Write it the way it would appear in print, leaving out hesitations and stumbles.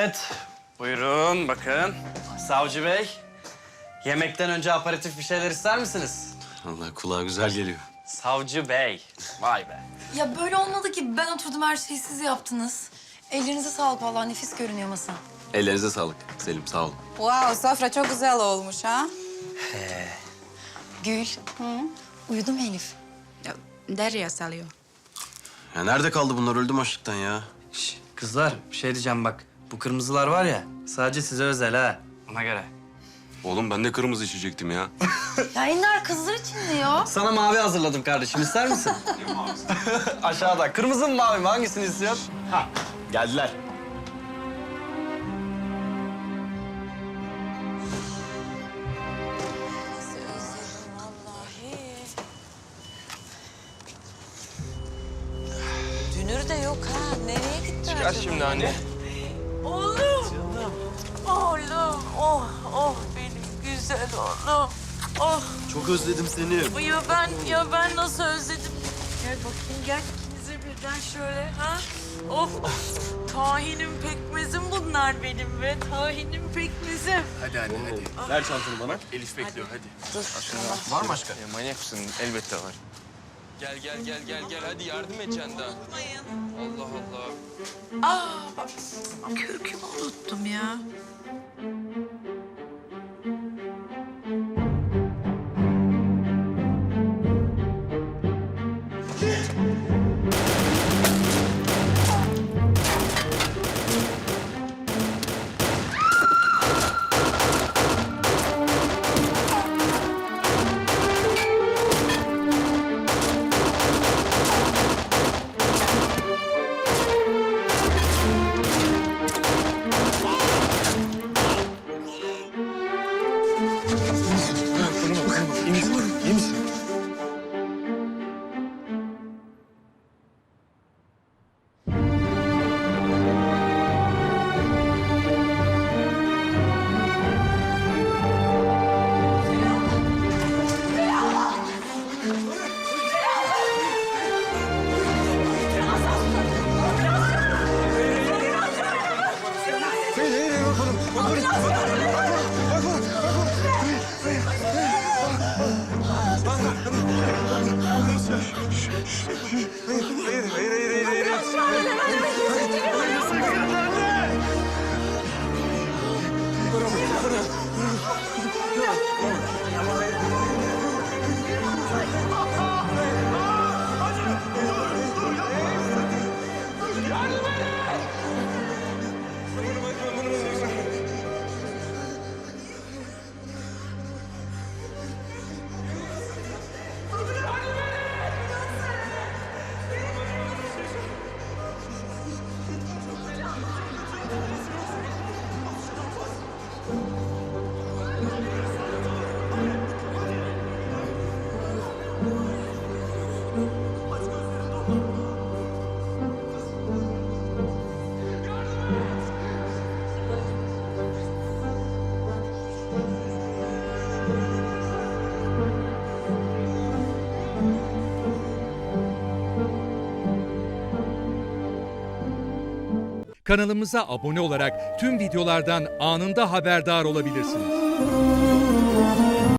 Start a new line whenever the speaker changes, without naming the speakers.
Evet. Buyurun bakın. Savcı Bey. Yemekten önce aperatif bir şeyler ister misiniz?
Allah kulağa güzel geliyor.
Savcı Bey. Vay be.
Ya böyle olmadı ki. Ben oturdum, her şeyi siz yaptınız. Ellerinize sağlık, vallahi nefis görünüyor masa.
Ellerinize sağlık Selim, sağ olun.
Wow, sofra çok güzel olmuş ha.
Gül. Uyudu mu Elif?
Ya, Derya salıyor.
Ya nerede kaldı bunlar? Öldüm açlıktan ya.
Şş, kızlar bir şey diyeceğim bak. Bu kırmızılar var ya sadece size özel ha. Ona göre.
Oğlum ben de kırmızı içecektim ya.
Ya Ender kızlar için diyor.
Sana mavi hazırladım kardeşim. İster misin? Aşağıda. Kırmızı mı mavi mi? Hangisini istiyorsun? Ha, geldiler.
Dünür de yok ha. Nereye gitti
Çıkar şimdi anne.
Oğlum. Canım. Oğlum. Oh, oh benim güzel oğlum. Oh.
Çok özledim seni.
Ya ben nasıl özledim. Gel bakayım gel ikinize birden şöyle ha. Of. Tahinim pekmezim bunlar benim be. Tahinim pekmezim.
Hadi anne hadi.
Ver çantanı bana.
Elif bekliyor hadi.
Dur.
Var mı başka?
Manyak mısın? Elbette var.
Gel hadi yardım edeceksin daha. Allah Allah.
Bak kürkümü unuttum ya.
İyi misin?
Kanalımıza abone olarak tüm videolardan anında haberdar olabilirsiniz.